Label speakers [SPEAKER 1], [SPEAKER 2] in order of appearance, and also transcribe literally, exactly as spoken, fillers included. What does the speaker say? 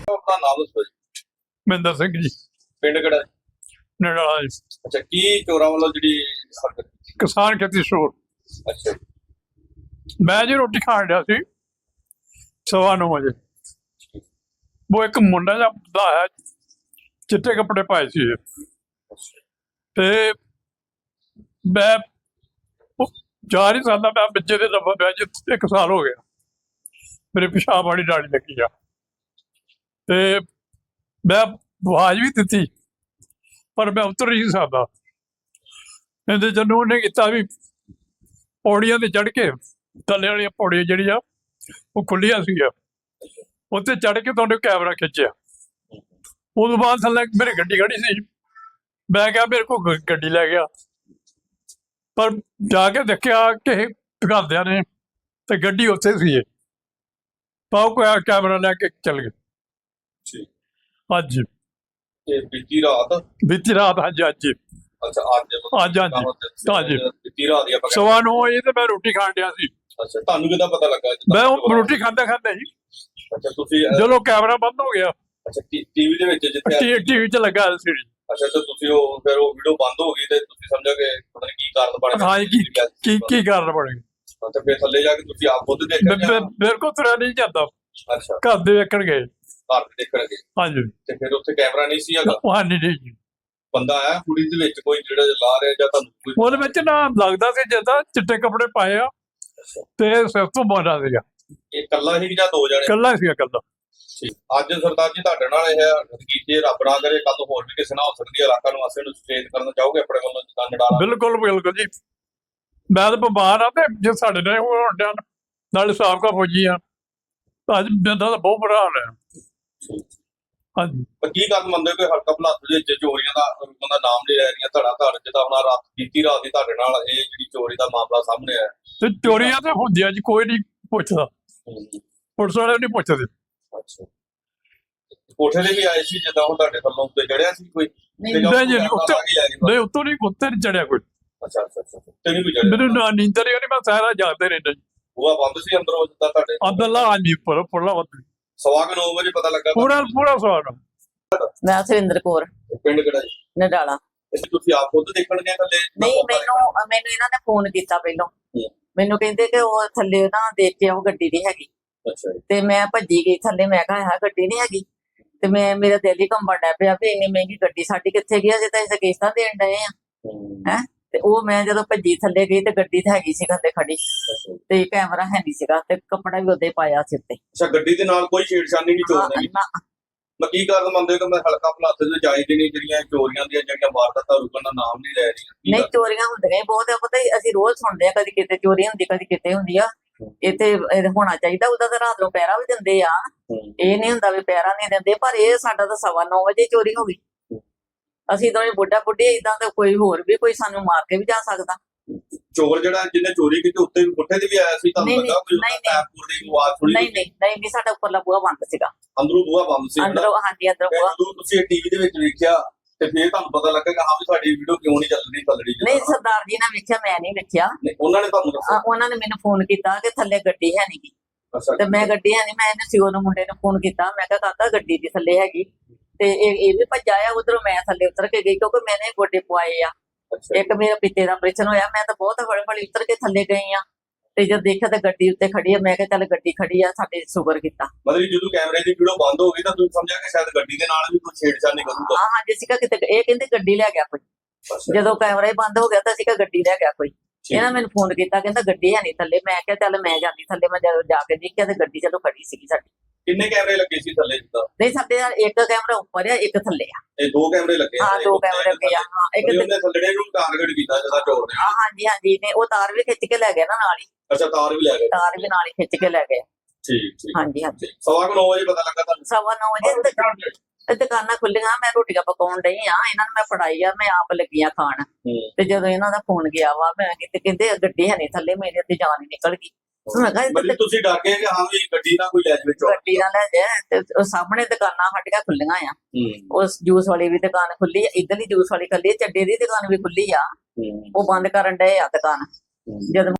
[SPEAKER 1] ਆਪਣਾ ਨਾਮ ਦੱਸੋ ਜੀ।
[SPEAKER 2] ਮਹਿੰਦਰ ਸਿੰਘ ਜੀ,
[SPEAKER 1] ਪਿੰਡ ਕਿਹੜਾ ਜੀ?
[SPEAKER 2] ਨਡਾਲਾ ਜੀ।
[SPEAKER 1] ਅੱਛਾ, ਕੀ ਚੋਰਾਂ ਵੱਲੋਂ ਜਿਹੜੀ ਹਰਕਤ ਕੀਤੀ?
[SPEAKER 2] ਕਿਸਾਨ ਖੇਤੀ ਸਟੋਰ।
[SPEAKER 1] ਅੱਛਾ ਜੀ।
[SPEAKER 2] ਮੈਂ ਜੀ ਰੋਟੀ ਖਾਣ ਡਿਆ ਸੀ ਸਵਾ ਨੌ ਵਜੇ। ਉਹ ਇੱਕ ਮੁੰਡਾ ਜਿਹਾ ਦਾ ਹੈ, ਚਿੱਟੇ ਕੱਪੜੇ ਪਾਏ ਸੀ ਤੇ ਮੈਂ ਉਹ ਜਾ ਨਹੀਂ ਸਕਦਾ। ਮੈਂ ਬੱਚੇ ਦੇ ਦਫਾ ਪਿਆ ਜੀ, ਇੱਕ ਸਾਲ ਹੋ ਗਿਆ। ਮੇਰੇ ਪਿਸ਼ਾਬ ਵਾਲੀ ਡਾੜੀ ਲੱਗੀ ਆ ਤੇ ਮੈਂ ਆਵਾਜ਼ ਵੀ ਦਿੱਤੀ ਪਰ ਮੈਂ ਉਤਰ ਨਹੀਂ ਸਕਦਾ। ਇਹਦੇ ਜਦੋਂ ਉਹਨੇ ਕੀਤਾ ਵੀ ਪੌੜੀਆਂ ਤੇ ਚੜ੍ਹ ਕੇ, ਥੱਲੇ ਵਾਲੀਆਂ ਪੌੜੀਆਂ ਜਿਹੜੀਆਂ ਉਹ ਖੁੱਲੀਆਂ ਸੀਗੀਆਂ, ਉੱਤੇ ਚੜ੍ਹ ਕੇ ਤੁਹਾਨੂੰ ਕੈਮਰਾ ਖਿੱਚਿਆ। ਉਦੋਂ ਬਾਅਦ ਥੱਲੇ ਮੇਰੀ ਗੱਡੀ ਖੜੀ ਸੀ। ਮੈਂ ਕਿਹਾ ਮੇਰੇ ਕੋਲ ਗ- ਗੱਡੀ ਲੈ ਗਿਆ, ਪਰ ਜਾ ਕੇ ਦੇਖਿਆ ਕਿ ਘਰਦਿਆਂ ਨੇ ਤੇ ਗੱਡੀ ਉੱਥੇ ਸੀ। ਪਾਉ ਕੋਈ ਕੈਮਰਾ ਲੈ ਕੇ ਚੱਲ ਗਏ।
[SPEAKER 1] ਜੀ।
[SPEAKER 2] ਹਾਂਜੀ,
[SPEAKER 1] ਤੇ ਬੀਤੀ ਰਾਤ?
[SPEAKER 2] ਬੀਤੀ ਰਾਤ। ਹਾਂਜੀ ਹਾਂਜੀ
[SPEAKER 1] ਅੱਛਾ, ਅੱਜ
[SPEAKER 2] ਅੱਜ ਹਾਂਜੀ ਹਾਂਜੀ
[SPEAKER 1] ਬੀਤੀ ਰਾਤ ਦੀ ਆਪਾਂ
[SPEAKER 2] ਸਵਾ ਨੌ ਵਜੇ ਤੇ ਮੈਂ ਰੋਟੀ ਖਾਣ ਡਿਆ ਸੀ।
[SPEAKER 1] ਅੱਛਾ, ਤੁਹਾਨੂੰ ਕਿੱਦਾਂ ਪਤਾ ਲੱਗਾ?
[SPEAKER 2] ਮੈਂ ਉਹ ਰੋਟੀ ਖਾਂਦਾ ਖਾਂਦਾ ਜੀ,
[SPEAKER 1] ਅੱਛਾ, ਤੁਸੀਂ
[SPEAKER 2] ਜਦੋਂ ਕੈਮਰਾ ਬੰਦ ਹੋ ਗਿਆ,
[SPEAKER 1] ਅੱਛਾ ਟੀਵੀ ਦੇ ਵਿੱਚ ਜਿੱਥੇ
[SPEAKER 2] ਟੀਵੀ 'ਚ ਲੱਗਾ ਐਲ ਸੀ ਡੀ।
[SPEAKER 1] ਅੱਛਾ, ਤੇ ਤੁਸੀਂ ਉਹ ਫਿਰ ਉਹ ਵੀਡੀਓ ਬੰਦ ਹੋ ਗਈ ਤੇ ਤੁਸੀਂ ਸਮਝਿਆ ਕਿ ਪਤਾ ਨਹੀਂ ਕੀ ਕਾਰਨ ਬਣ ਗਿਆ।
[SPEAKER 2] ਹਾਂ ਜੀ, ਕੀ ਕੀ ਕੀ ਕਾਰਨ ਬਣੇਗਾ?
[SPEAKER 1] ਤੇ ਫਿਰ ਥੱਲੇ ਜਾ ਕੇ ਤੁਸੀਂ ਆਪ ਖੁਦ ਦੇਖਿਆ ਜਾਂ?
[SPEAKER 2] ਮੇਰੇ ਕੋਲ ਤੁਰਿਆ ਨਹੀਂ ਜਾਂਦਾ।
[SPEAKER 1] ਅੱਛਾ,
[SPEAKER 2] ਘਰ ਦੇ ਵੇਖਣ ਗਏ।
[SPEAKER 1] ਘਰ ਦੇ ਦੇਖਣਗੇ।
[SPEAKER 2] ਹਾਂਜੀ,
[SPEAKER 1] ਤੇ ਫਿਰ ਉੱਥੇ ਕੈਮਰਾ ਨਹੀਂ ਸੀ ਹੈਗਾ?
[SPEAKER 2] ਉਹ ਹਾਂਜੀ ਨਹੀਂ ਜੀ।
[SPEAKER 1] ਬੰਦਾ ਆਇਆ ਕੁੜੀ ਦੇ ਵਿੱਚ ਕੋਈ ਜਿਹੜਾ ਲਾ ਰਿਹਾ ਜਾਂ ਤੁਹਾਨੂੰ ਕੋਈ?
[SPEAKER 2] ਉਹਦੇ ਵਿੱਚ ਨਾ ਲੱਗਦਾ ਸੀ ਜਿੱਦਾਂ ਚਿੱਟੇ ਕੱਪੜੇ ਪਾਏ ਆ ਤੇ ਸਿਰ ਤੋਂ ਬੋਲਦਾ ਸੀਗਾ।
[SPEAKER 1] ਇਹ ਇਕੱਲਾ ਹੀ ਜਾਂ ਦੋ ਜਣੇ?
[SPEAKER 2] ਇਕੱਲਾ ਸੀਗਾ, ਇਕੱਲਾ।
[SPEAKER 1] ਅੱਜ ਸਰਦਾਰ ਜੀ ਤੁਹਾਡੇ ਨਾਲ ਇਹ ਕੀਤੇ, ਰੱਬ ਨਾ ਕਰੇ ਕੱਲ ਹੋਰ ਵੀ ਕਿਸੇ ਨਾਲ ਹੋ ਸਕਦੀ ਹੈ। ਇਲਾਕਾ ਨੂੰ ਵਾਸੀਆਂ ਨੂੰ ਸੁਚੇਤ ਕਰਨਾ ਚਾਹੋਗੇ ਆਪਣੇ ਵੱਲੋਂ ਜਿੱਦਾਂ ਨਡਾਲਾ?
[SPEAKER 2] ਬਿਲਕੁਲ ਬਿਲਕੁਲ ਜੀ। ਮੈਂ ਤਾਂ ਬਿਮਾਰ ਆ ਤੇ ਜੇ ਸਾਡੇ ਨਾਲ ਹੋਣ ਡਿਆ ਨਾਲੇ ਸਾਬਕਾ ਫੌਜੀ ਆ, ਅੱਜ ਬੰਦਾ ਤਾਂ ਬਹੁਤ ਬੁਰਾ ਹਾਲ ਹੈ। ਹਾਂਜੀ,
[SPEAKER 1] ਪਰ ਕੀ ਗੱਲ ਮੰਨਦੇ ਹੋ ਕਿ ਹਲਕਾ ਭਲਾਤ ਦੇ ਵਿੱਚ ਚੋਰੀਆਂ ਦਾ ਰੁਕਣ ਦਾ ਨਾਮ ਨਹੀਂ ਲੈ ਰਹੀਆਂ? ਧੜਾ ਧੜ ਜਿੱਦਾਂ ਹੁਣ ਰਾਤ ਬੀਤੀ ਰਾਤ ਦੀ ਤੁਹਾਡੇ ਨਾਲ ਇਹ ਜਿਹੜੀ ਚੋਰੀ ਦਾ ਮਾਮਲਾ ਸਾਹਮਣੇ ਆਇਆ।
[SPEAKER 2] ਤੇ ਚੋਰੀਆਂ ਤਾਂ ਹੁੰਦੀਆਂ ਜੀ, ਕੋਈ ਨਹੀਂ ਪੁੱਛਦਾ। ਪੁਲਿਸ ਵਾਲੇ ਨਹੀਂ ਪੁੱਛਦੇ।
[SPEAKER 1] ਅੱਛਾ, ਕੋਠੇ ਤੇ ਵੀ ਆਏ ਸੀ ਜਿੱਦਾਂ ਹੁਣ ਤੁਹਾਡੇ ਥੱਲੋਂ ਉੱਤੇ ਚੜਿਆ ਸੀ ਕੋਈ?
[SPEAKER 2] ਨਹੀਂ ਜੀ, ਉੱਤੇ ਨਹੀਂ, ਉੱਤੋਂ ਨਹੀਂ, ਉੱਤੇ ਨਹੀਂ ਚੜਿਆ ਕੋਈ।
[SPEAKER 1] ਅੱਛਾ ਅੱਛਾ ਅੱਛਾ, ਤੇ ਨਹੀਂ ਕੋਈ ਚੜਿਆ?
[SPEAKER 2] ਮੈਨੂੰ ਨਾ ਨੀਂਦਰ ਹੀ ਨਹੀਂ, ਮੈਂ ਸਾਰਾ ਜਾਗਦੇ ਰਹਿੰਦਾ ਜੀ।
[SPEAKER 1] ਬੂਹਾ ਬੰਦ ਸੀ ਅੰਦਰੋਂ ਜਿੱਦਾਂ ਤੁਹਾਡੇ?
[SPEAKER 2] ਅਬਦੁੱਲਾ ਹਾਂਜੀ, ਉੱਪਰ ਉੱਪਰਲਾ ਵੱਧ
[SPEAKER 1] ਸਵਾ ਕੁ ਨੌ ਵਜੇ ਪਤਾ ਲੱਗਾ?
[SPEAKER 2] ਪੂਰਾ ਪੂਰਾ ਸਵਾਲ।
[SPEAKER 3] ਮੈਂ ਸੁਰਿੰਦਰ ਕੌਰ,
[SPEAKER 1] ਪਿੰਡ ਕਿਹੜਾ ਜੀ?
[SPEAKER 3] ਨਡਾਲਾ।
[SPEAKER 1] ਤੁਸੀਂ ਆਪ ਖੁਦ ਦੇਖਣ ਗਏ ਥੱਲੇ?
[SPEAKER 3] ਨਹੀਂ, ਮੈਨੂੰ ਮੈਨੂੰ ਇਹਨਾਂ ਨੇ ਫੋਨ ਕੀਤਾ ਪਹਿਲਾਂ। ਮੈਨੂੰ ਕਹਿੰਦੇ ਕਿ ਉਹ ਥੱਲੇ ਨਾ ਦੇਖ ਕੇ ਉਹ ਗੱਡੀ ਨਹੀਂ ਹੈਗੀ।
[SPEAKER 1] ਅੱਛਾ,
[SPEAKER 3] ਤੇ ਮੈਂ ਭੱਜੀ ਗਈ ਥੱਲੇ। ਮੈਂ ਕਿਹਾ ਹਾਂ ਗੱਡੀ ਨਹੀਂ ਹੈਗੀ। ਤੇ ਮੈਂ ਮੇਰਾ ਦਿਲ ਹੀ ਕੰਬਣ ਡਿਆ ਪਿਆ ਵੀ ਇੰਨੀ ਮਹਿੰਗੀ ਗੱਡੀ ਸਾਡੀ ਕਿੱਥੇ ਗਈ, ਅਜੇ ਤਾਂ ਅਸੀਂ ਕਿਸ਼ਤਾਂ ਦੇਣ ਡਏ ਆ ਹੈ। ਤੇ ਉਹ ਮੈਂ ਜਦੋਂ ਭੱਜੀ ਥੱਲੇ ਗਈ ਤੇ ਗੱਡੀ ਤਾਂ ਹੈਗੀ ਸੀ ਥੱਲੇ ਖੜੀ, ਤੇ ਕੈਮਰਾ ਹੈ ਨਹੀਂ ਸੀਗਾ ਤੇ ਕੱਪੜਾ ਵੀ ਉਹਦੇ ਪਾਇਆ ਸਿਰ ਤੇ।
[SPEAKER 1] ਅੱਛਾ, ਗੱਡੀ ਦੇ ਨਾਲ ਕੋਈ ਛੇੜਛਾਨੀ ਨਹੀਂ ਚੋਰ ਨੇ? ਮੈਂ ਕੀ ਕਾਰਨ ਮੰਨਦੇ ਹੋ ਕਿ ਮੈਂ ਹਲਕਾ ਭਲਾਤ ਦੇ ਵਿੱਚ ਆਈ ਨਹੀਂ ਜਿਹੜੀਆਂ ਚੋਰੀਆਂ ਦੀਆਂ ਜਿਹੜੀਆਂ ਵਾਰਦਾਤਾਂ ਰੁਕਣ ਦਾ ਨਾਮ ਨਹੀਂ ਲੈ ਰਹੀਆਂ?
[SPEAKER 3] ਨਹੀਂ, ਚੋਰੀਆਂ ਹੁੰਦੀਆਂ ਹੀ ਬਹੁਤ ਆ। ਪਤਾ ਹੀ ਅਸੀਂ ਰੋਜ਼ ਸੁਣਦੇ ਆ, ਕਦੀ ਕਿਤੇ ਚੋਰੀ ਹੁੰਦੀ, ਕਦੀ ਕਿਤੇ ਹੁੰਦੀ ਆ। ਇੱਥੇ ਹੋਣਾ ਚਾਹੀਦਾ ਉਹਦਾ ਤਾਂ ਰਾਤ ਨੂੰ ਪਹਿਰਾ ਵੀ ਦਿੰਦੇ ਆ। ਇਹ ਨਹੀਂ ਹੁੰਦਾ ਵੀ ਪਹਿਰਾ ਨਹੀਂ ਦਿੰਦੇ, ਪਰ ਇਹ ਸਾਡਾ ਤਾਂ ਸਵਾ ਨੌ ਵਜੇ ਚੋਰੀ ਹੋ ਗਈ। ਅਸੀਂ ਦੋਵੇਂ ਬੁੱਢਾ ਬੁੱਢੀ ਏਦਾਂ ਤਾਂ ਕੋਈ ਹੋਰ ਵੀ ਕੋਈ ਸਾਨੂੰ ਮਾਰ ਕੇ ਵੀ ਜਾ ਸਕਦਾ।
[SPEAKER 1] ਚੋਰ ਜਿਹੜਾ ਜਿਹਨੇ ਚੋਰੀ ਕੀਤੀ ਉੱਤੇ ਵੀ ਕੋਠੇ ਤੇ ਵੀ ਆਇਆ ਸੀ? ਤੁਹਾਨੂੰ ਲੱਗਾ ਕੋਈ ਪੈਪੂਰ ਦੀ ਆਵਾਜ਼ ਸੁਣੀ?
[SPEAKER 3] ਨਹੀਂ ਨਹੀਂ ਨਹੀਂ ਨਹੀਂ, ਸਾਡਾ ਉੱਪਰਲਾ ਬੂਹਾ ਬੰਦ ਸੀਗਾ।
[SPEAKER 1] ਅੰਦਰੋਂ ਬੂਹਾ ਬੰਦ ਸੀ?
[SPEAKER 3] ਅੰਦਰੋਂ, ਹਾਂਜੀ ਅੰਦਰੋਂ ਬੂਹਾ।
[SPEAKER 1] ਜਦੋਂ ਤੁਸੀਂ ਟੀਵੀ ਦੇ ਵਿੱਚ ਵੇਖਿਆ ਤੇ ਫਿਰ ਤੁਹਾਨੂੰ ਪਤਾ ਲੱਗਾ ਕਿ ਹਾਂ ਵੀ ਸਾਡੀ ਵੀਡੀਓ ਕਿਉਂ ਨਹੀਂ ਚੱਲ ਰਹੀ ਥੱਲੜੀ?
[SPEAKER 3] ਨਹੀਂ, ਸਰਦਾਰ ਜੀ ਨੇ ਵੇਖਿਆ, ਮੈਂ ਨਹੀਂ ਵੇਖਿਆ।
[SPEAKER 1] ਉਹਨਾਂ ਨੇ ਤੁਹਾਨੂੰ ਦੱਸਿਆ?
[SPEAKER 3] ਉਹਨਾਂ ਨੇ ਮੈਨੂੰ ਫੋਨ ਕੀਤਾ ਕਿ ਥੱਲੇ ਗੱਡੀ ਹੈ ਨਹੀਂ ਗੀ।
[SPEAKER 1] ਅੱਛਾ,
[SPEAKER 3] ਤੇ ਮੈਂ ਗੱਡੀ ਹੈ ਨਹੀਂ, ਮੈਂ ਇਹਨੂੰ ਸਿਓ ਨੂੰ ਮੁੰਡੇ ਨੂੰ ਫੋਨ ਕੀਤਾ। ਮੈਂ ਕਿਹਾ ਕਾਕਾ ਗੱਡੀ ਦੀ ਥੱਲੇ ਹੈਗੀ। ਤੇ ਇਹ ਇਹ ਵੀ ਭੱਜਾ ਆ ਉਧਰੋਂ। ਮੈਂ ਥੱਲੇ ਉਤਰ ਕੇ ਗਈ ਕਿਉਂਕਿ ਮੈਨੇ ਗੋਡੇ ਪਵਾਏ ਆ। ਇੱਕ ਮੇਰਾ ਪਿੱਤੇ ਦਾ ਆਪਰੇਸ਼ਨ ਹੋਇਆ। ਮੈਂ ਤਾਂ ਬਹੁਤ ਹੌਲੀ ਹੌਲੀ ਉਤਰ ਕੇ ਥੱਲੇ ਗਈ ਆ ਤੇ ਜਦ ਦੇਖਿਆ ਤਾਂ ਗੱਡੀ ਉੱਤੇ ਖੜੀ ਆ। ਮੈਂ ਕਿਹਾ ਚੱਲ ਗੱਡੀ ਖੜੀ ਆ, ਸਾਡੇ ਸ਼ੁਕਰ ਕੀਤਾ।
[SPEAKER 1] ਮਤਲਬ ਜਦੋਂ ਕੈਮਰੇ ਦੀ ਵੀਡੀਓ ਬੰਦ ਹੋ ਗਈ ਤਾਂ ਤੁਸੀਂ ਸਮਝਿਆ ਕਿ ਸ਼ਾਇਦ ਗੱਡੀ ਦੇ ਨਾਲ ਵੀ ਕੋਈ ਛੇੜਛਾੜ ਕਰੂਗਾ?
[SPEAKER 3] ਹਾਂ ਹਾਂਜੀ, ਅਸੀਂ ਕਿਹਾ ਕਿਤੇ ਇਹ ਕਹਿੰਦੇ ਗੱਡੀ ਲੈ ਗਿਆ ਕੋਈ। ਜਦੋਂ ਕੈਮਰਾ ਹੀ ਬੰਦ ਹੋ ਗਿਆ ਤਾਂ ਅਸੀਂ ਕਿਹਾ ਗੱਡੀ ਲੈ ਗਿਆ ਕੋਈ। ਇਹਨਾਂ ਮੈਨੂੰ ਫੋਨ ਕੀਤਾ, ਕਹਿੰਦਾ ਗੱਡੀ ਹੈ ਨਹੀਂ ਥੱਲੇ। ਮੈਂ ਕਿਹਾ ਚੱਲ ਮੈਂ ਜਾਂਦੀ ਥੱਲੇ। ਮੈਂ ਜਦੋਂ ਜਾ ਕੇ ਦੇਖਿਆ ਤੇ ਗੱਡੀ ਚਲੋ ਖੜੀ ਸੀਗੀ ਸਾਡੀ।
[SPEAKER 1] ਕਿੰਨੇ ਕੈਮਰੇ ਲੱਗੇ ਸੀ ਥੱਲੇ ਜਿੱਦਾਂ?
[SPEAKER 3] ਨਹੀਂ, ਸਾਡੇ ਇੱਕ ਕੈਮਰਾ ਉੱਪਰ ਆ, ਇੱਕ ਥੱਲੇ ਆ।
[SPEAKER 1] ਇਹ ਦੋ ਕੈਮਰੇ ਲੱਗੇ?
[SPEAKER 3] ਹਾਂ, ਦੋ ਕੈਮਰੇ ਲੱਗੇ ਆ। ਹਾਂ, ਇੱਕ
[SPEAKER 1] ਉਹਨੇ ਥੱਲੜੇ ਨੂੰ ਟਾਰਗੇਟ ਕੀਤਾ ਜਿਹੜਾ ਚੋਰ ਨੇ?
[SPEAKER 3] ਹਾਂ ਹਾਂਜੀ ਹਾਂਜੀ, ਨੇ ਉਹ ਤਾਰ ਵੀ ਖਿੱਚ ਕੇ ਲੈ ਗਿਆ ਨਾ ਨਾਲ ਹੀ।
[SPEAKER 1] ਅੱਛਾ, ਤਾਰ ਵੀ ਲੈ ਗਏ?
[SPEAKER 3] ਤਾਰ ਵੀ ਨਾਲ ਹੀ ਖਿੱਚ ਕੇ ਲੈ ਗਏ।
[SPEAKER 1] ਠੀਕ ਠੀਕ।
[SPEAKER 3] ਹਾਂਜੀ ਹਾਂਜੀ,
[SPEAKER 1] ਸਵਾ ਕੁ ਨੌ ਵਜੇ ਪਤਾ ਲੱਗਾ ਤੁਹਾਨੂੰ?
[SPEAKER 3] ਸਵਾ ਨੌ ਵਜੇ ਤੇ ਦੁਕਾਨਾਂ ਖੁੱਲੀਆਂ। ਮੈਂ ਰੋਟੀਆਂ ਪਕਾਉਣ ਡਈ ਆ, ਇਹਨਾਂ ਨੂੰ ਮੈਂ ਫੜਾਈ ਆ, ਮੈਂ ਆਪ ਲੱਗੀਆਂ ਖਾਣ। ਤੇ ਜਦੋਂ ਇਹਨਾਂ ਦਾ ਫੋਨ ਗਿਆ ਵਾ, ਮੈਂ ਕਿਤੇ ਕਹਿੰਦੇ ਗੱਡੀ ਹੈ ਨਹੀਂ ਥੱਲੇ, ਮੇਰੇ ਤੇ ਜਾਨ ਹੀ ਨਿਕਲ ਗਈ। ਮੈਂ ਕਿਹਾ
[SPEAKER 1] ਤੁਸੀਂ ਡਰ ਗਏ ਕਿ ਹਾਂ ਵੀ ਗੱਡੀ ਨਾ ਕੋਈ ਲੈ ਜਾਵੇ ਚੋਰ?
[SPEAKER 3] ਗੱਡੀ ਨਾ ਲੈ ਜਾਏ। ਤੇ ਉਹ ਸਾਹਮਣੇ ਦੁਕਾਨਾਂ ਸਾਡੀਆਂ ਖੁੱਲੀਆਂ ਆ। ਉਸ ਜੂਸ ਵਾਲੀ ਵੀ ਦੁਕਾਨ ਖੁੱਲੀ ਆ, ਇੱਧਰਲੀ ਜੂਸ ਵਾਲੀ ਖੁੱਲੀ, ਚੱਡੇ ਦੀ ਦੁਕਾਨ ਵੀ ਖੁੱਲੀ ਆ। ਉਹ ਬੰਦ ਕਰਨ ਡਏ ਆ ਦੁਕਾਨ। ਜਦੋਂ